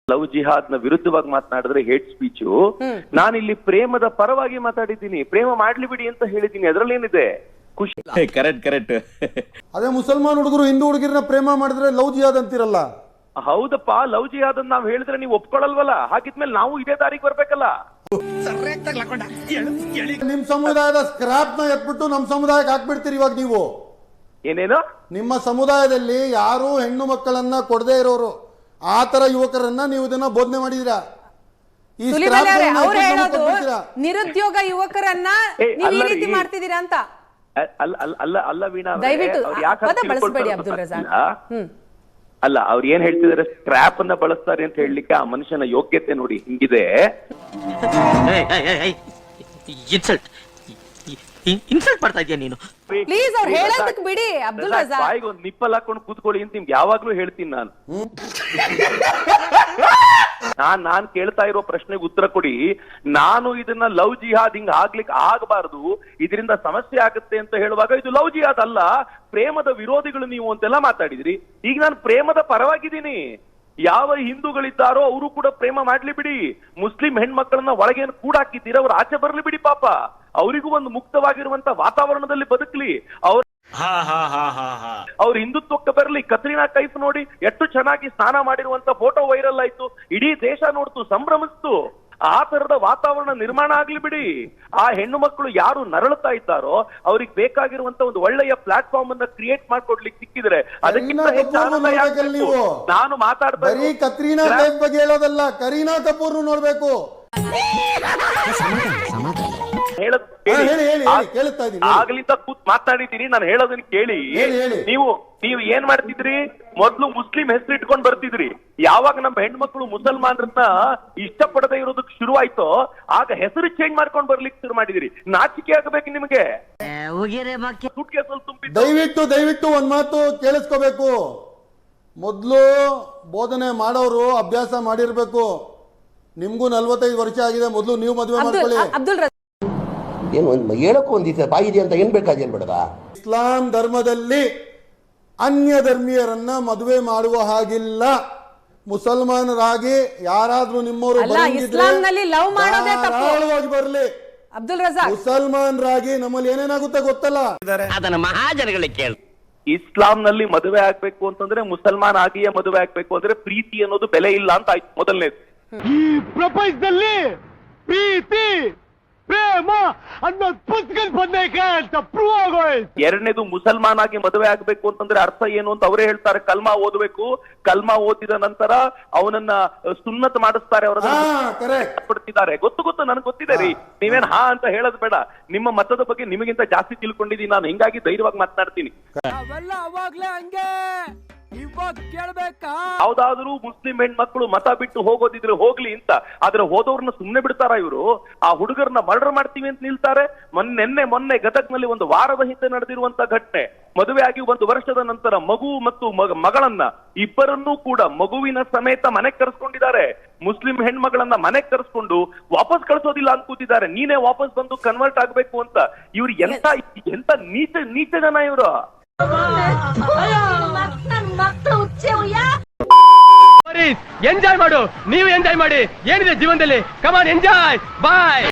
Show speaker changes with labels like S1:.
S1: Love ಜಿಹಾದ್ ನ ವಿರುದ್ಧವಾಗಿ ಮಾತನಾಡಿದ್ರೆ hate speech. ನಾನಿಲ್ಲಿ ಪ್ರೇಮದ ಪರವಾಗಿ ಮಾತಾಡಿದ್ದೀನಿ, ಪ್ರೇಮ ಮಾಡ್ಲಿ ಬಿಡಿ ಅಂತ ಹೇಳಿದ್ದೀನಿ, ಅದ್ರಲ್ಲಿ ಏನಿದೆ ಖುಷಿ.
S2: ಕರೆಕ್ಟ್.
S3: ಅದೇ ಮುಸಲ್ಮಾನ್ ಹುಡುಗರು ಹಿಂದೂ ಹುಡುಗಿರನ್ನ ಪ್ರೇಮ ಮಾಡಿದ್ರೆ ಲವ್ ಜಿಹಾದ್ ಅಂತಿರಲ್ಲ.
S1: ಹೌದಪ್ಪ, ಲವ್ ಜಿಹಾದ್ ಅಂತ ನಾವ್ ಹೇಳಿದ್ರೆ ನೀವು ಒಪ್ಕೊಳಲ್ವಲ್ಲ, ಹಾಗಿದ್ಮೇಲೆ ನಾವು ಇದೇ ದಾರಿಗೆ ಬರ್ಬೇಕಲ್ಲ.
S3: ನಿಮ್ ಸಮುದಾಯದ ಸ್ಕ್ರಾಪ್ ನ ಎತ್ಬಿಟ್ಟು ನಮ್ ಸಮುದಾಯಕ್ಕೆ ಹಾಕ್ಬಿಡ್ತೀರಿ ಇವಾಗ ನೀವು.
S1: ಏನೇನು?
S3: ನಿಮ್ಮ ಸಮುದಾಯದಲ್ಲಿ ಯಾರು ಹೆಣ್ಣು ಮಕ್ಕಳನ್ನ ಕೊಡದೇ ಇರೋರು ಆ ತರ ಯುವಕರನ್ನ ನೀವು ಇದನ್ನ ಬೋಧನೆ ಮಾಡಿದೀರಾ.
S4: ನಿರುದ್ಯೋಗ ಯುವಕರನ್ನ ನೀವು ಈ ರೀತಿ ಮಾಡ್ತಿದ್ದೀರಾ ಅಂತ.
S1: ಅಲ್ಲ ವೀಣಾ,
S4: ದಯವಿಟ್ಟು ಬಳಸಬೇಡಿ ಅಬ್ದುಲ್ ರಜಾಕ್.
S1: ಅಲ್ಲ, ಅವ್ರು ಏನ್ ಹೇಳ್ತಿದಾರೆ, ಸ್ಕ್ರಾಪ್ ಅನ್ನ ಬಳಸ್ತಾರೆ ಅಂತ ಹೇಳಲಿಕ್ಕೆ ಆ ಮನುಷ್ಯನ ಯೋಗ್ಯತೆ ನೋಡಿ ಹಿಂಗಿದೆ.
S5: ಇನ್ಸಲ್ಟ್ ಮಾಡ್ತಾ ಇದೀಯ ನೀನು.
S4: ಪ್ಲೀಸ್ ಅವ್ರು ಹೇಳೋದಕ್ಕೆ ಬಿಡಿ ಅಬ್ದುಲ್ ರಜಾಕ್.
S1: ಬಾಯಿಗೆ ಒಂದು ನಿಪ್ಪಲ್ ಹಾಕೊಂಡು ಕೂತ್ಕೊಳ್ಳಿ ಅಂತ ನಿಮ್ಗೆ ಯಾವಾಗ್ಲೂ ಹೇಳ್ತೀನಿ ನಾನು. ನಾನ್ ಕೇಳ್ತಾ ಇರೋ ಪ್ರಶ್ನೆಗೆ ಉತ್ತರ ಕೊಡಿ. ನಾನು ಇದನ್ನ ಲವ್ ಜಿಹಾದ್ ಹಿಂಗ್ ಆಗ್ಲಿಕ್ಕೆ ಆಗಬಾರದು, ಇದರಿಂದ ಸಮಸ್ಯೆ ಆಗುತ್ತೆ ಅಂತ ಹೇಳುವಾಗ ಇದು ಲವ್ ಜಿಹಾದ್ ಅಲ್ಲ, ಪ್ರೇಮದ ವಿರೋಧಿಗಳು ನೀವು ಅಂತೆಲ್ಲ ಮಾತಾಡಿದ್ರಿ. ಈಗ ನಾನು ಪ್ರೇಮದ ಪರವಾಗಿದ್ದೀನಿ. ಯಾವ ಹಿಂದೂಗಳಿದ್ದಾರೋ ಅವರು ಕೂಡ ಪ್ರೇಮ ಮಾಡ್ಲಿ ಬಿಡಿ. ಮುಸ್ಲಿಂ ಹೆಣ್ಮಕ್ಳನ್ನ ಒಳಗೇನು ಕೂಡ ಹಾಕಿದ್ದೀರ, ಅವ್ರು ಆಚೆ ಬರ್ಲಿ ಬಿಡಿ ಪಾಪ. ಅವರಿಗೂ ಒಂದು ಮುಕ್ತವಾಗಿರುವಂತ ವಾತಾವರಣದಲ್ಲಿ ಬದುಕಲಿ. ಅವ್ರ ಹಿಂದುತ್ವಕ್ಕೆ ಬರಲಿ. ಕತ್ರಿನಾ ಕೈಫ್ ನೋಡಿ ಎಷ್ಟು ಚೆನ್ನಾಗಿ ಸ್ನಾನ ಮಾಡಿರುವಂತ ಫೋಟೋ ವೈರಲ್ ಆಯ್ತು, ಇಡೀ ದೇಶ ನೋಡ್ತು, ಸಂಭ್ರಮಿಸ್ತು. ಆ ತರದ ವಾತಾವರಣ ನಿರ್ಮಾಣ ಆಗ್ಲಿ ಬಿಡಿ. ಆ ಹೆಣ್ಣು ಮಕ್ಕಳು ಯಾರು ನರಳುತ್ತಾ ಇದ್ದಾರೋ ಅವ್ರಿಗೆ ಬೇಕಾಗಿರುವಂತ ಒಂದು ಒಳ್ಳೆಯ ಪ್ಲಾಟ್ಫಾರ್ಮ್ ಅನ್ನ ಕ್ರಿಯೇಟ್ ಮಾಡ್ಕೊಡ್ಲಿಕ್ಕೆ ಸಿಕ್ಕಿದ್ರೆ ಅದಕ್ಕಿಂತ ನಾನು ಮಾತಾಡ್ತಾ
S3: ಕತ್ರೀನಾ ಕೈಫ್ ಬಗ್ಗೆ ಹೇಳೋದಲ್ಲ, ಕರೀನಾ ಕಪೂರ್ ನೋಡ್ಬೇಕು.
S1: ಆಗ್ಲಿಂದ ಕೂತ್ ಮಾತಾಡಿದ್ದೀನಿ, ನಾನು ಹೇಳೋದನ್ನ ಕೇಳಿ. ನೀವು ಏನ್ ಮಾಡ್ತಿದ್ರಿ, ಮೊದ್ಲು ಮುಸ್ಲಿಂ ಹೆಸರು ಇಟ್ಕೊಂಡ್ ಬರ್ತಿದ್ರಿ. ಯಾವಾಗ ನಮ್ಮ ಹೆಣ್ಮಕ್ಳು ಮುಸಲ್ಮಾನರನ್ನ ಇಷ್ಟಪಡದೆ ಇರೋದಕ್ಕೆ ಶುರುವಾಯ್ತೋ ಆಗ ಹೆಸರು ಚೇಂಜ್ ಮಾಡ್ಕೊಂಡ್ ಬರ್ಲಿಕ್ಕೆ ಶುರು ಮಾಡಿದಿರಿ. ನಾಚಿಕೆ ಆಗಬೇಕು ನಿಮ್ಗೆ.
S3: ದಯವಿಟ್ಟು ಒಂದ್ ಮಾತು ಕೇಳಿಸ್ಕೋಬೇಕು. ಮೊದ್ಲು ಬೋಧನೆ ಮಾಡೋರು ಅಭ್ಯಾಸ ಮಾಡಿರ್ಬೇಕು. ನಿಮ್ಗೂ 45 ವರ್ಷ ಆಗಿದೆ, ಮೊದ್ಲು ನೀವು ಮದುವೆ ಮಾಡ್ಕೊಳ್ಳಿ.
S6: ಏನು ಹೇಳಕ್ಕೂ ಒಂದಿದೆ ಬಾಯಿದೆ ಅಂತ ಏನ್ ಬೇಕಾದೇನ್ ಬೇಡದ.
S3: ಇಸ್ಲಾಂ ಧರ್ಮದಲ್ಲಿ ಅನ್ಯ ಧರ್ಮೀಯರನ್ನ ಮದುವೆ ಮಾಡುವ ಹಾಗಿಲ್ಲ. ಮುಸಲ್ಮಾನರಾಗಿ ಯಾರಾದ್ರೂ ನಿಮ್ಮವರು ಬರ್ಲಿ.
S4: ಅಬ್ದುಲ್ ರಜಾಕ್,
S3: ಮುಸಲ್ಮಾನರಾಗಿ ನಮ್ಮಲ್ಲಿ ಏನೇನಾಗುತ್ತೆ ಗೊತ್ತಲ್ಲ,
S5: ಅದನ್ನ ಮಹಾಜನಗಳಿಗೆ ಕೇಳಿ.
S1: ಇಸ್ಲಾಂನಲ್ಲಿ ಮದುವೆ ಆಗ್ಬೇಕು ಅಂತಂದ್ರೆ ಮುಸಲ್ಮಾನ್ ಆಗಿಯೇ ಮದುವೆ ಆಗ್ಬೇಕು ಅಂದ್ರೆ ಪ್ರೀತಿ ಅನ್ನೋದು ಬೆಲೆ ಇಲ್ಲ ಅಂತ ಆಯ್ತು ಮೊದಲನೇದು.
S7: ಈ ಪ್ರಪಂಚದಲ್ಲಿ ಪ್ರೀತಿ ಪ್ರೇಮ ಅನ್ನೋದು ಪುಸ್ತಕ ಬಂದೈತೆ ಅಂತ ಪ್ರೂವ್ ಆಗೋಯ್ತು.
S1: ಎರಡನೇದು ಮುಸಲ್ಮಾನ್ ಆಗಿ ಮದುವೆ ಆಗ್ಬೇಕು ಅಂತಂದ್ರೆ ಅರ್ಥ ಏನು ಅಂತ ಅವರೇ ಹೇಳ್ತಾರೆ. ಕಲ್ಮಾ ಓದಬೇಕು, ಕಲ್ಮಾ ಓದಿದ ನಂತರ ಅವನನ್ನ ಸುನ್ನತ್ ಮಾಡಿಸ್ತಾರೆ, ಅವರನ್ನ ಗೊತ್ತು ನನಗೆ ಗೊತ್ತಿದೆ ರೀ. ನೀವೇನ್ ಹಾ ಅಂತ ಹೇಳೋದು ಬೇಡ. ನಿಮ್ಮ ಮತದ ಬಗ್ಗೆ ನಿಮಗಿಂತ ಜಾಸ್ತಿ ತಿಳ್ಕೊಂಡಿದ್ದೀನಿ ನಾನು, ಹಿಂಗಾಗಿ ಧೈರ್ಯವಾಗಿ ಮಾತನಾಡ್ತೀನಿ. ಯಾವ್ದಾದ್ರು ಮುಸ್ಲಿಂ ಹೆಣ್ಮಕ್ಳು ಮತ ಬಿಟ್ಟು ಹೋಗೋದಿದ್ರೆ ಹೋಗ್ಲಿ ಅಂತ, ಆದ್ರೆ ಹೋದವ್ರನ್ನ ಸುಮ್ನೆ ಬಿಡ್ತಾರ ಇವರು? ಆ ಹುಡುಗರನ್ನ ಮರ್ಡರ್ ಮಾಡ್ತೀವಿ ಅಂತ ನಿಲ್ತಾರೆ. ಮೊನ್ನೆ ಗದಗ್ನಲ್ಲಿ ಒಂದು ವಾರದ ಹಿಂದೆ ನಡೆದಿರುವಂತ ಘಟನೆ. ಮದುವೆ ಆಗಿ 1 ವರ್ಷದ ನಂತರ ಮಗು ಮತ್ತು ಮಗಳನ್ನ ಇಬ್ಬರನ್ನೂ ಕೂಡ ಮಗುವಿನ ಸಮೇತ ಮನೆಗೆ ಕರೆಸ್ಕೊಂಡಿದ್ದಾರೆ. ಮುಸ್ಲಿಂ ಹೆಣ್ಮಗಳನ್ನ ಮನೆಗೆ ಕರೆಸ್ಕೊಂಡು ವಾಪಸ್ ಕಳ್ಸೋದಿಲ್ಲ ಅಂತ ಕೂತಿದ್ದಾರೆ. ನೀನೇ ವಾಪಸ್ ಬಂದು ಕನ್ವರ್ಟ್ ಆಗ್ಬೇಕು ಅಂತ. ಇವ್ರು ಎಂತ ನೀಚ ಜನ ಇವರು.
S7: ಎಂಜಾಯ್ ಮಾಡು, ನೀವು ಎಂಜಾಯ್ ಮಾಡಿ. ಏನಿದೆ ಜೀವನದಲ್ಲಿ, ಕಮಾನ್ ಎಂಜಾಯ್, ಬಾಯ್.